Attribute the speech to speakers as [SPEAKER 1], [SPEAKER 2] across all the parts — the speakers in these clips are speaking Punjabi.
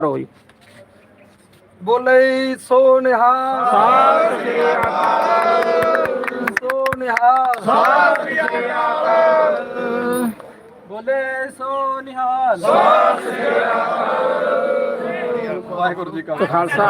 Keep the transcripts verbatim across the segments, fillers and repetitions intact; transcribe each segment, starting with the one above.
[SPEAKER 1] ਰੋਈ
[SPEAKER 2] ਬੋਲੇ ਸੋ ਨਿਹਾਲ ਸਤਿ ਸ੍ਰੀ ਅਕਾਲ ਸੋ ਨਿਹਾਲ ਸਤਿ ਸ੍ਰੀ ਅਕਾਲ ਬੋਲੇ ਸੋ ਨਿਹਾਲ ਸਤਿ ਸ੍ਰੀ ਅਕਾਲ ਵਾਹਿਗੁਰੂ ਜੀ ਕਾ
[SPEAKER 1] ਖਾਲਸਾ।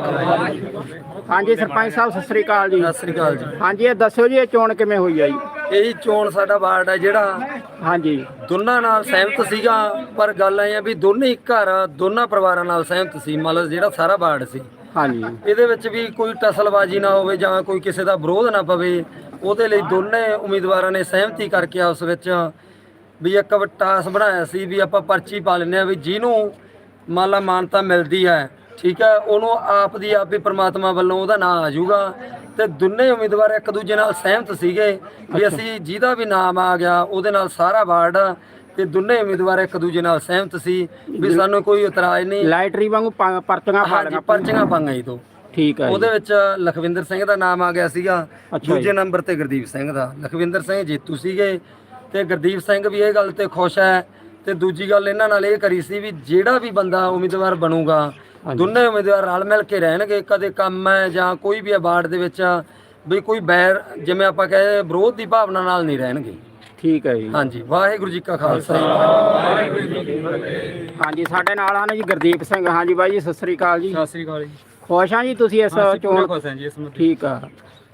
[SPEAKER 1] ਹਾਂਜੀ ਸਰਪੰਚ ਸਾਹਿਬ ਸਤਿ ਸ੍ਰੀ ਅਕਾਲ ਜੀ।
[SPEAKER 2] ਸਤਿ ਸ੍ਰੀ ਅਕਾਲ ਜੀ।
[SPEAKER 1] ਹਾਂਜੀ ਇਹ ਦੱਸਿਓ ਜੀ ਇਹ ਚੋਣ ਕਿਵੇਂ ਹੋਈ ਆ ਜੀ?
[SPEAKER 2] ਇਹੀ ਚੋਣ ਸਾਡਾ ਵਾਰਡ ਹੈ ਜਿਹੜਾ
[SPEAKER 1] ਹਾਂਜੀ
[SPEAKER 2] ਦੋਨਾਂ ਨਾਲ ਸਹਿਮਤ ਸੀਗਾ, ਪਰ ਗੱਲ ਐ ਆ ਵੀ ਦੋਨੇ ਹੀ ਘਰ ਦੋਨਾਂ ਪਰਿਵਾਰਾਂ ਨਾਲ ਸਹਿਮਤ ਸੀ। ਮਤਲਬ ਜਿਹੜਾ ਸਾਰਾ ਵਾਰਡ ਸੀ
[SPEAKER 1] ਹਾਂਜੀ
[SPEAKER 2] ਇਹਦੇ ਵਿੱਚ ਵੀ ਕੋਈ ਟਸਲਬਾਜ਼ੀ ਨਾ ਹੋਵੇ ਜਾਂ ਕੋਈ ਕਿਸੇ ਦਾ ਵਿਰੋਧ ਨਾ ਪਵੇ, ਉਹਦੇ ਲਈ ਦੋਨੇ ਉਮੀਦਵਾਰਾਂ ਨੇ ਸਹਿਮਤੀ ਕਰਕੇ ਉਸ ਵਿੱਚ ਵੀ ਇੱਕ ਟਾਸ ਬਣਾਇਆ ਸੀ ਵੀ ਆਪਾਂ ਪਰਚੀ ਪਾ ਲੈਂਦੇ ਹਾਂ ਵੀ ਜਿਹਨੂੰ ਮੰਨ ਲਾ ਮਾਨਤਾ ਮਿਲਦੀ ਹੈ, ਠੀਕ ਹੈ, ਉਹਨੂੰ ਆਪ ਦੀ ਆਪ ਹੀ ਪ੍ਰਮਾਤਮਾ ਵੱਲੋਂ ਉਹਦਾ ਨਾਂ ਆ ਜਾਊਗਾ। ਤੇ ਦੋਨੇ ਉਮੀਦਵਾਰ ਇੱਕ ਦੂਜੇ ਨਾਲ ਸਹਿਮਤ ਸੀਗੇ ਵੀ ਅਸੀਂ ਜਿਹਦਾ ਵੀ ਨਾਮ ਆ ਗਿਆ ਉਹਦੇ ਨਾਲ ਸਾਰਾ ਵਾਰਡ, ਤੇ ਦੋਨੇ ਉਮੀਦਵਾਰ ਇੱਕ ਦੂਜੇ ਨਾਲ ਸਹਿਮਤ ਸੀ ਵੀ ਸਾਨੂੰ ਕੋਈ ਇਤਰਾਜ਼ ਨਹੀਂ।
[SPEAKER 1] ਲਾਈਟਰੀ ਵਾਂਗੂ ਪਾ- ਪਰਚੀਆਂ ਪਾ ਲਈਆਂ।
[SPEAKER 2] ਪਰਚੀਆਂ ਪਾਈਆਂ ਜੀ ਤੋਂ
[SPEAKER 1] ਠੀਕ ਹੈ
[SPEAKER 2] ਉਹਦੇ ਵਿੱਚ ਲਖਵਿੰਦਰ ਸਿੰਘ ਦਾ ਨਾਮ ਆ ਗਿਆ ਸੀਗਾ,
[SPEAKER 1] ਅੱਛਾ
[SPEAKER 2] ਦੂਜੇ
[SPEAKER 1] ਜੀ।
[SPEAKER 2] ਨੰਬਰ ਤੇ ਗੁਰਦੀਪ ਸਿੰਘ ਦਾ। ਲਖਵਿੰਦਰ ਸਿੰਘ ਜੇਤੂ ਸੀਗੇ ਤੇ ਗੁਰਦੀਪ ਸਿੰਘ ਵੀ ਇਹ ਗੱਲ ਤੇ ਖੁਸ਼ ਹੈ। ਤੇ ਦੂਜੀ ਗੱਲ ਇਹਨਾਂ ਨਾਲ ਇਹ ਕਰੀ ਸੀ ਵੀ ਜਿਹੜਾ ਵੀ ਬੰਦਾ ਉਮੀਦਵਾਰ ਬਣੂਗਾ ਦੋਨੇ ਉਮੀਦਵਾਰ ਰਲ ਮਿਲ ਕੇ ਰਹਿਣਗੇ, ਕਦੇ ਕੰਮ ਹੈ ਜਾਂ ਕੋਈ ਵੀ ਵਾਰਡ ਦੇ ਵਿੱਚ ਵੀ ਕੋਈ ਬੈਰ ਜਿਵੇਂ ਆਪਾਂ ਕਹੇ ਵਿਰੋਧ ਦੀ ਭਾਵਨਾ ਨਾਲ ਨਹੀਂ ਰਹਿਣਗੇ।
[SPEAKER 1] ਠੀਕ ਹੈ ਜੀ।
[SPEAKER 2] ਹਾਂਜੀ ਵਾਹਿਗੁਰੂ ਜੀ ਕਾ ਖਾਲਸਾ ਵਾਹਿਗੁਰੂ ਜੀ ਕੀ ਫਤਿਹ।
[SPEAKER 1] ਹਾਂਜੀ ਸਾਡੇ ਨਾਲ ਹਨ ਜੀ ਗੁਰਦੀਪ ਸਿੰਘ। ਹਾਂਜੀ ਬਾਈ ਜੀ ਸਤਿ ਸ੍ਰੀ ਅਕਾਲ ਜੀ।
[SPEAKER 3] ਸਤਿ ਸ੍ਰੀ ਅਕਾਲ ਜੀ।
[SPEAKER 1] ਖੁਸ਼ ਆ ਜੀ ਤੁਸੀਂ ਇਸ ਚੋਣ?
[SPEAKER 3] ਖੁਸ਼ ਹਾਂ ਜੀ ਇਸ ਮੁੱਦੇ।
[SPEAKER 1] ਠੀਕ ਆ।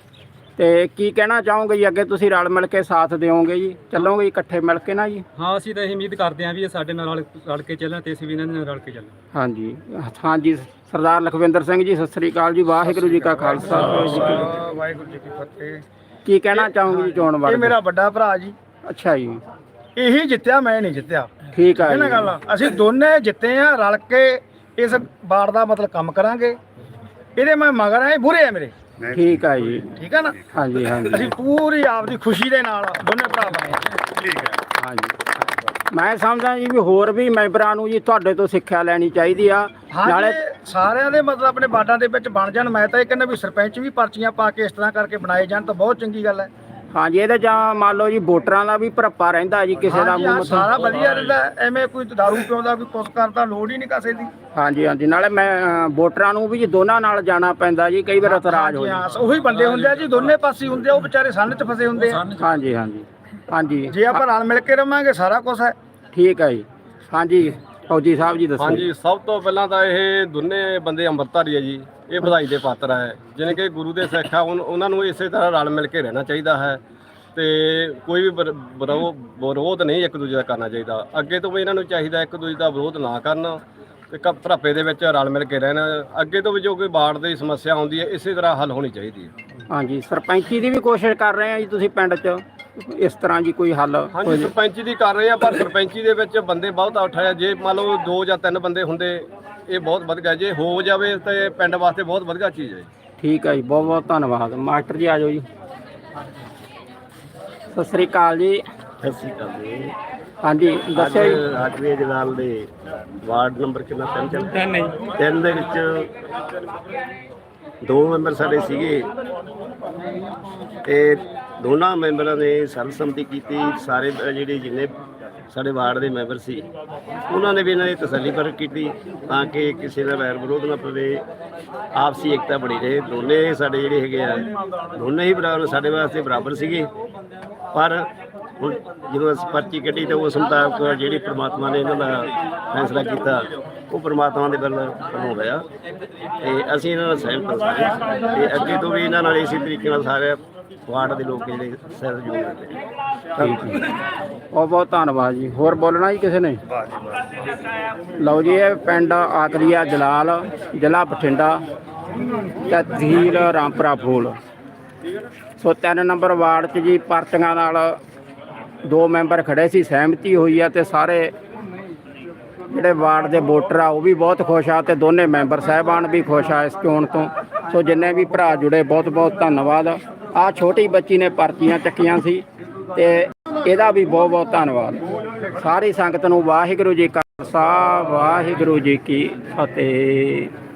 [SPEAKER 1] ਤੇ ਕੀ ਕਹਿਣਾ ਚਾਹੋਗੇ ਜੀ ਅੱਗੇ ਤੁਸੀਂ ਰਲ ਮਿਲ ਕੇ ਸਾਥ ਦਿਓਗੇ ਜੀ, ਚੱਲੋਗੇ ਇਕੱਠੇ ਮਿਲ ਕੇ ਨਾ ਜੀ?
[SPEAKER 3] ਹਾਂ ਅਸੀਂ ਤਾਂ ਇਹ ਉਮੀਦ ਕਰਦੇ ਹਾਂ ਵੀ ਇਹ ਸਾਡੇ ਨਾਲ ਰਲ ਰਲ ਕੇ ਚੱਲਣ ਤੇ ਅਸੀਂ ਵੀ ਇਹਨਾਂ ਨਾਲ ਰਲ ਕੇ ਚੱਲਾਂ।
[SPEAKER 1] ਹਾਂਜੀ ਹਾਂਜੀ ਸਰਦਾਰ ਲਖਵਿੰਦਰ ਸਿੰਘ ਜੀ ਸਤਿ ਸ੍ਰੀ ਅਕਾਲ ਜੀ। ਵਾਹਿਗੁਰੂ ਜੀ ਕਾ ਖਾਲਸਾ
[SPEAKER 4] ਵਾਹਿਗੁਰੂ ਜੀ ਕੀ ਫਤਿਹ।
[SPEAKER 1] ਕੀ ਕਹਿਣਾ ਚਾਹੋਗੇ ਜੀ ਚੋਣ ਬਾਰੇ?
[SPEAKER 4] ਇਹ ਮੇਰਾ ਵੱਡਾ ਭਰਾ ਜੀ।
[SPEAKER 1] ਅੱਛਾ ਜੀ।
[SPEAKER 4] ਇਹੀ ਜਿੱਤਿਆ, ਮੈਂ ਨਹੀਂ ਜਿੱਤਿਆ।
[SPEAKER 1] ਠੀਕ ਆ
[SPEAKER 4] ਇਹ ਨਾ
[SPEAKER 1] ਜੀ।
[SPEAKER 4] ਗੱਲ, ਅਸੀਂ ਦੋਨੇ ਜਿੱਤੇ ਆ, ਰਲ ਕੇ ਇਸ ਵਾਰਡ ਦਾ ਮਤਲਬ ਕੰਮ ਕਰਾਂਗੇ। ਇਹਦੇ ਮੈਂ ਮਗਰ ਆਏ ਬੁਰੇ ਆ ਮੇਰੇ।
[SPEAKER 1] ਠੀਕ ਆ ਜੀ।
[SPEAKER 4] ਠੀਕ ਆ ਨਾ?
[SPEAKER 1] ਹਾਂਜੀ ਹਾਂਜੀ
[SPEAKER 4] ਅਸੀਂ ਪੂਰੀ ਆਪਦੀ ਖੁਸ਼ੀ ਦੇ ਨਾਲ ਦੋਨੇ ਭਰਾ ਬਣੇ। ਠੀਕ ਹੈ।
[SPEAKER 1] ਹਾਂਜੀ ਮੈਂ ਸਮਝਦਾ ਜੀ ਵੀ ਹੋਰ ਵੀ ਮੈਂਬਰਾਂ ਨੂੰ ਜੀ ਤੁਹਾਡੇ ਤੋਂ ਸਿੱਖਿਆ ਲੈਣੀ ਚਾਹੀਦੀ ਆ।
[SPEAKER 4] ਨਾਲੇ ਸਾਰਿਆਂ ਦੇ ਮਤਲਬ ਆਪਣੇ ਵਾਰਡਾਂ ਦੇ ਵਿੱਚ ਬਣ ਜਾਣ। ਮੈਂ ਤਾਂ ਇਹ ਕਹਿੰਦਾ ਵੀ ਸਰਪੰਚ ਵੀ ਪਰਚੀਆਂ ਪਾ ਕੇ ਇਸ ਤਰ੍ਹਾਂ ਕਰਕੇ ਬਣਾਏ ਜਾਣ ਤਾਂ ਬਹੁਤ ਚੰਗੀ ਗੱਲ ਹੈ।
[SPEAKER 1] ਹਾਂਜੀ ਇਹਦਾ ਜਾਂ ਮੰਨ ਲਓ ਜੀ ਵੋਟਰਾਂ ਦਾ ਵੀ ਭਰਪਾ ਰਹਿੰਦਾ ਜੀ, ਕਿਸੇ ਦਾ
[SPEAKER 4] ਹਾਂਜੀ, ਹਾਂ,
[SPEAKER 1] ਮੂੰਹ
[SPEAKER 4] ਸਾਰਾ ਵਧੀਆ ਰਹਿੰਦਾ। ਐਵੇਂ ਕੋਈ ਦਾਰੂ ਪਿਉਂਦਾ ਕੋਈ ਕੁਛ ਕਰਦਾ ਲੋੜ ਹੀ ਨਹੀਂ ਕਿਸੇ ਦੀ।
[SPEAKER 1] ਹਾਂਜੀ ਹਾਂਜੀ ਨਾਲੇ ਮੈਂ ਅ, ਵੋਟਰਾਂ ਨੂੰ ਵੀ ਜੀ ਦੋਨਾਂ ਨਾਲ ਜਾਣਾ ਪੈਂਦਾ ਜੀ, ਕਈ ਵਾਰ ਇਤਰਾਜ਼ ਹੋ
[SPEAKER 4] ਹਾਂਜੀ, ਹਾਂ,
[SPEAKER 1] ਜਾਂਦਾ।
[SPEAKER 4] ਉਹੀ ਬੰਦੇ ਹੁੰਦੇ ਆ ਜੀ, ਦੋਨੇ ਪਾਸੇ ਹੁੰਦੇ ਆ, ਉਹ ਵਿਚਾਰੇ ਸੰਨ 'ਚ ਫਸੇ ਹੁੰਦੇ ਆ।
[SPEAKER 1] ਹਾਂਜੀ ਹਾਂਜੀ ਹਾਂਜੀ
[SPEAKER 4] ਜੇ ਆਪਾਂ ਰਲ ਮਿਲ ਕੇ ਰਵਾਂਗੇ ਸਾਰਾ ਕੁਝ ਹੈ।
[SPEAKER 1] ਠੀਕ ਹੈ ਜੀ। ਹਾਂਜੀ ਫੌਜੀ ਸਾਹਿਬ ਜੀ ਦੱਸੋ।
[SPEAKER 5] ਹਾਂਜੀ ਸਭ ਤੋਂ ਪਹਿਲਾਂ ਤਾਂ ਇਹ ਦੋਨੇ ਬੰਦੇ ਅੰਮ੍ਰਿਤਧਾਰੀ ਹੈ ਜੀ, ਇਹ ਵਧਾਈ ਦੇ ਪਾਤਰ ਹੈ। ਜਿਵੇਂ ਕਿ ਗੁਰੂ ਦੇ ਸਿੱਖ ਆ, ਉਨ- ਉਹਨਾਂ ਨੂੰ ਇਸੇ ਤਰ੍ਹਾਂ ਰਲ ਮਿਲ ਕੇ ਰਹਿਣਾ ਚਾਹੀਦਾ ਹੈ ਤੇ ਕੋਈ ਵੀ ਵਿਰ- ਵਿਰੋ- ਵਿਰੋਧ ਨਹੀਂ ਇੱਕ ਦੂਜੇ ਦਾ ਕਰਨਾ ਚਾਹੀਦਾ। ਅੱਗੇ ਤੋਂ ਵੀ ਇਹਨਾਂ ਨੂੰ ਚਾਹੀਦਾ ਇੱਕ ਦੂਜੇ ਦਾ ਵਿਰੋਧ ਨਾ ਕਰਨ ਤੇ ਕ ਭਰਾਪੇ ਦੇ ਵਿੱਚ ਰਲ ਮਿਲ ਕੇ ਰਹਿਣਾ। ਅੱਗੇ ਤੋਂ ਵੀ ਜੋ ਕੋਈ ਵਾਰਡ ਦੀ ਸਮੱਸਿਆ ਆਉਂਦੀ ਹੈ ਇਸੇ ਤਰ੍ਹਾਂ ਹੱਲ ਹੋਣੀ ਚਾਹੀਦੀ ਹੈ।
[SPEAKER 1] ਹਾਂਜੀ ਸਰਪੰਚੀ ਦੀ ਵੀ ਕੋਸ਼ਿਸ਼ ਕਰ ਰਹੇ ਆ ਜੀ ਤੁਸੀਂ ਪਿੰਡ 'ਚ ਇਸ ਤਰ੍ਹਾਂ ਜੀ ਕੋਈ ਹੱਲ ਹੋ
[SPEAKER 5] ਹਾਂਜੀ
[SPEAKER 1] ਜੇ?
[SPEAKER 5] ਸਰਪੰਚੀ ਦੀ ਕਰ ਰਹੇ ਆ, ਪਰ ਸਰਪੰਚੀ ਦੇ ਵਿੱਚ ਬੰਦੇ ਬਹੁਤ ਉਠਾਇਆ। ਜੇ ਮੰਨ ਲਓ ਦੋ ਜਾਂ ਤਿੰਨ ਬੰਦੇ ਹੁੰਦੇ ਇਹ ਬਹੁਤ ਵਧੀਆ, ਜੇ ਹੋ ਜਾਵੇ ਤੇ ਪਿੰਡ ਵਾਸਤੇ ਬਹੁਤ ਵਧੀਆ ਚੀਜ਼ ਹੈ।
[SPEAKER 1] ਠੀਕ ਹੈ ਜੀ, ਬਹੁਤ ਬਹੁਤ ਧੰਨਵਾਦ। ਮਾਸਟਰ ਜੀ ਆ ਜਾਓ ਜੀ। ਸਤਿ ਸ੍ਰੀ ਅਕਾਲ ਜੀ।
[SPEAKER 6] ਸਤਿ ਸ਼੍ਰੀ ਅਕਾਲ ਜੀ।
[SPEAKER 1] ਹਾਂਜੀ ਦੱਸਿਓ ਜੀ।
[SPEAKER 6] ਰਾਜਵੀਰ ਜਲਾਲ ਦੇ ਵਾਰਡ ਨੰਬਰ ਕਿੰਨਾ? ਤਿੰਨ ਚੱਲ ਤਿੰਨ ਜੀ। ਤਿੰਨ ਦੇ ਵਿੱਚ ਦੋ ਮੈਂਬਰ ਸਾਡੇ ਸੀਗੇ ਤੇ ਦੋਨਾਂ ਮੈਂਬਰਾਂ ਨੇ ਸਰਬਸੰਮਤੀ ਕੀਤੀ। ਸਾਰੇ ਜਿਹੜੇ ਜਿੰਨੇ ਸਾਡੇ ਵਾਰਡ ਦੇ ਮੈਂਬਰ ਸੀ ਉਹਨਾਂ ਨੇ ਵੀ ਇਹਨਾਂ ਦੀ ਤਸੱਲੀ ਪ੍ਰਗਟ ਕੀਤੀ ਤਾਂ ਕਿ ਕਿਸੇ ਦਾ ਵੈਰ ਵਿਰੋਧ ਨਾ ਪਵੇ, ਆਪਸੀ ਏਕਤਾ ਬਣੀ ਰਹੇ। ਦੋਨੇ ਸਾਡੇ ਜਿਹੜੇ ਹੈਗੇ ਆ ਦੋਨੇ ਹੀ ਬਰਾਬਰ ਸਾਡੇ ਵਾਸਤੇ ਬਰਾਬਰ ਸੀਗੇ। ਪਰ ਹੁਣ ਜਦੋਂ ਅਸੀਂ ਪਰਚੀ ਕੱਢੀ ਤਾਂ ਉਸ ਮੁਤਾਬਕ ਜਿਹੜੀ ਪ੍ਰਮਾਤਮਾ ਨੇ ਇਹਨਾਂ ਦਾ ਫੈਸਲਾ ਕੀਤਾ ਉਹ ਪ੍ਰਮਾਤਮਾ ਦੇ ਵੱਲ ਵੱਲੋਂ ਹੋਇਆ ਤੇ ਅਸੀਂ ਇਹਨਾਂ ਨਾਲ ਸਹਿਮਤ ਹਾਂ ਸਾਰੇ। ਤੇ ਅੱਗੇ ਤੋਂ ਵੀ ਇਹਨਾਂ ਨਾਲ ਇਸੇ ਤਰੀਕੇ ਨਾਲ ਸਾਰੇ ਵਾਰਡ ਦੇ ਲੋਕ ਜਿਹੜੇ ਸਹਿਯੋਗ ਕਰਦੇ ਨੇ।
[SPEAKER 1] ਬਹੁਤ ਬਹੁਤ ਧੰਨਵਾਦ ਜੀ। ਹੋਰ ਬੋਲਣਾ ਜੀ ਕਿਸੇ ਨੇ? ਲਓ ਜੀ ਇਹ ਪਿੰਡ ਆਕਰੀਆ ਜਲਾਲ, ਜ਼ਿਲ੍ਹਾ ਬਠਿੰਡਾ, ਤਹਿਸੀਲ ਰਾਮਪੁਰਾ ਫੂਲ। ਸੋ ਤਿੰਨ ਨੰਬਰ ਵਾਰਡ 'ਚ ਜੀ ਪਰਚੀਆਂ ਨਾਲ ਦੋ ਮੈਂਬਰ ਖੜੇ ਸੀ, ਸਹਿਮਤੀ ਹੋਈ ਆ ਤੇ ਸਾਰੇ ਜਿਹੜੇ ਵਾਰਡ ਦੇ ਵੋਟਰ ਆ ਉਹ ਵੀ ਬਹੁਤ ਖੁਸ਼ ਆ ਤੇ ਦੋਨੇ ਮੈਂਬਰ ਸਾਹਿਬਾਨ ਵੀ ਖੁਸ਼ ਆ ਇਸ ਚੋਣ ਤੋਂ। ਸੋ ਜਿੰਨੇ ਵੀ ਭਰਾ ਜੁੜੇ ਬਹੁਤ ਬਹੁਤ ਧੰਨਵਾਦ। ਆ ਛੋਟੀ ਬੱਚੀ ਨੇ ਪਰਚੀਆਂ ਚੱਕੀਆਂ ਸੀ ਤੇ ਇਹਦਾ ਵੀ ਬਹੁਤ ਬਹੁਤ ਧੰਨਵਾਦ। ਸਾਰੀ ਸੰਗਤ ਨੂੰ ਵਾਹਿਗੁਰੂ ਜੀ ਕਾ ਖਾਲਸਾ ਵਾਹਿਗੁਰੂ ਜੀ ਕੀ ਫਤਿਹ।